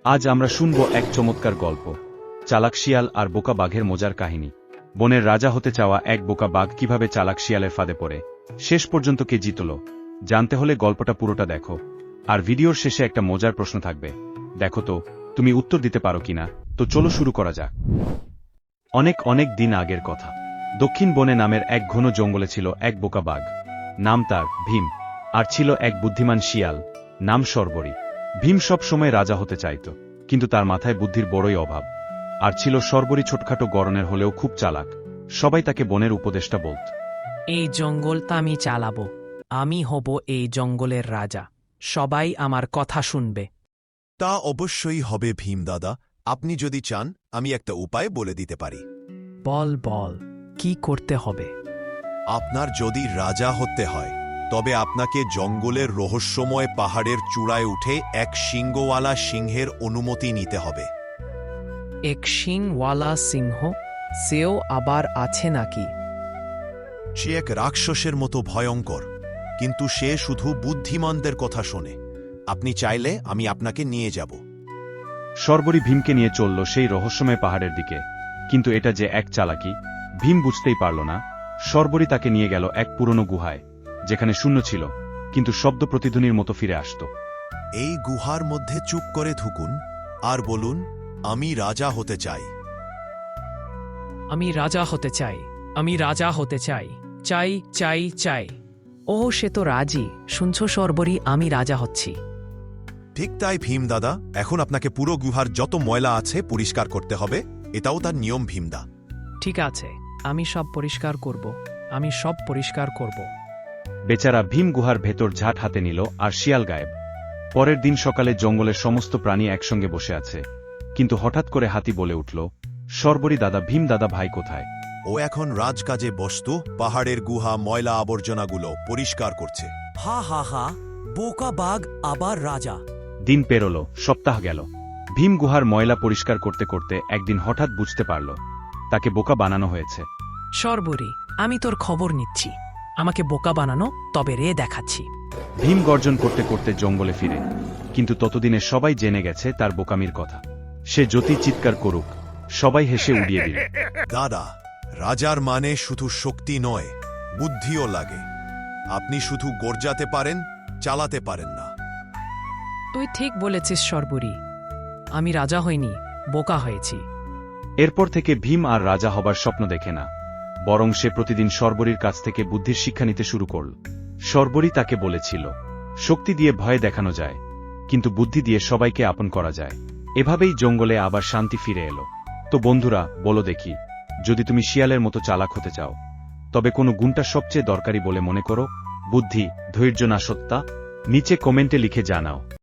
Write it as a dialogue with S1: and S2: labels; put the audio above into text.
S1: আজ আমরা শুনব এক চমৎকার গল্প, চালাক শিয়াল আর বোকা বাঘের মজার কাহিনী। বনের রাজা হতে চাওয়া এক বোকা বাঘ কিভাবে চালাক শিয়ালের ফাঁদে পড়ে শেষ পর্যন্ত কে জিতল, জানতে হলে গল্পটা পুরোটা দেখো। আর ভিডিওর শেষে একটা মজার প্রশ্ন থাকবে, দেখো তো তুমি উত্তর দিতে পারো কিনা। তো চলো শুরু করা যাক। অনেক অনেক দিন আগের কথা, দক্ষিণ বনে নামের এক ঘন জঙ্গলে ছিল এক বোকা বাঘ, নাম তার ভীম। আর ছিল এক বুদ্ধিমান শিয়াল, নাম শর্বরী। ভীম সব সময় রাজা হতে চাইত, কিন্তু তার মাথায় বুদ্ধির বড়ই অভাব। আর ছিল শর্বরী ছোটখাটো গড়নের হলেও খুব চালাক, সবাই তাকে বনের উপদেষ্টা বলত।
S2: এই জঙ্গলটা আমি চালাবো, আমি হব এই জঙ্গলের রাজা, সবাই আমার কথা শুনবে।
S3: তা অবশ্যই হবে ভীম দাদা, আপনি যদি চান আমি একটা উপায় বলে দিতে পারি।
S2: বল বল, কি করতে হবে?
S3: আপনার যদি রাজা হতে হয় তবে আপনাকে জঙ্গলের রহস্যময় পাহাড়ের চূড়ায় উঠে এক সিংহওয়ালা সিংহের অনুমতি নিতে হবে।
S2: এক শিংওয়ালা সিংহ? সেও আবার আছে নাকি?
S3: সে এক রাক্ষসের মতো ভয়ঙ্কর, কিন্তু সে শুধু বুদ্ধিমানদের কথা শোনে। আপনি চাইলে আমি আপনাকে নিয়ে যাব।
S1: শর্বরী ভীমকে নিয়ে চলল সেই রহস্যময় পাহাড়ের দিকে, কিন্তু এটা যে এক চালাকি ভীম বুঝতেই পারল না। শর্বরী তাকে নিয়ে গেল এক পুরনো গুহায়, যেখানে শূন্য ছিল, কিন্তু শব্দ প্রতিধ্বনির মতো ফিরে আসত।
S3: এই গুহার মধ্যে চুপ করে ঢুকুন আর বলুন, আমি রাজা হতে চাই।
S2: আমি রাজা হতে চাই, আমি রাজা হতে চাই, চাই চাই চাই। ও সে তো রাজি, শুনছো শর্বরী, আমি রাজা হচ্ছি।
S3: ঠিক তাই ভীম দাদা, এখন আপনাকে পুরো গুহার যত ময়লা আছে পরিষ্কার করতে হবে, এটাও তার নিয়ম ভীমদা।
S2: ঠিক আছে, আমি সব পরিষ্কার করব, আমি সব পরিষ্কার করব।
S1: বেচারা ভীম গুহার ভেতর ঝাঁট হাতে নিল আর শিয়াল গায়েব। পরের দিন সকালে জঙ্গলের সমস্ত প্রাণী একসঙ্গে বসে আছে, কিন্তু হঠাৎ করে হাতি বলে উঠল, শর্বরী দাদা, ভীম দাদা ভাই কোথায়?
S3: ও এখন রাজকাজে ব্যস্ত, পাহাড়ের গুহা ময়লা আবর্জনাগুলো পরিষ্কার করছে।
S4: হা হা হা, বোকা বাঘ আবার রাজা।
S1: দিন পেরোল, সপ্তাহ গেল। ভীম গুহার ময়লা পরিষ্কার করতে করতে একদিন হঠাৎ বুঝতে পারল তাকে বোকা বানানো হয়েছে।
S2: শর্বরী, আমি তোর খবর নিচ্ছি, আমাকে বোকা বানানো, তবে রে দেখাচ্ছি।
S1: ভীম গর্জন করতে করতে জঙ্গলে ফিরে, কিন্তু ততদিনে সবাই জেনে গেছে তার বোকামির কথা। সে যতই চিৎকার করুক, সবাই হেসে উড়িয়ে দিল।
S3: দাদা, রাজার মানে শুধু শক্তি নয়, বুদ্ধিও লাগে। আপনি শুধু গর্জাতে পারেন, চালাতে পারেন না।
S2: তুই ঠিক বলেছিস শর্বরী, আমি রাজা হইনি, বোকা হয়েছি।
S1: এরপর থেকে ভীম আর রাজা হবার স্বপ্ন দেখে না, বরং সে প্রতিদিন শর্বরীর কাছ থেকে বুদ্ধির শিক্ষা নিতে শুরু করল। শর্বরী তাকে বলেছিল, শক্তি দিয়ে ভয় দেখানো যায়, কিন্তু বুদ্ধি দিয়ে সবাইকে আপন করা যায়। এভাবেই জঙ্গলে আবার শান্তি ফিরে এলো। তো বন্ধুরা, বলো দেখি, যদি তুমি শিয়ালের মতো চালাক হতে চাও, তবে কোন গুণটা সবচেয়ে দরকারি বলে মনে করো? বুদ্ধি, ধৈর্য না সত্তা? নিচে কমেন্টে লিখে জানাও।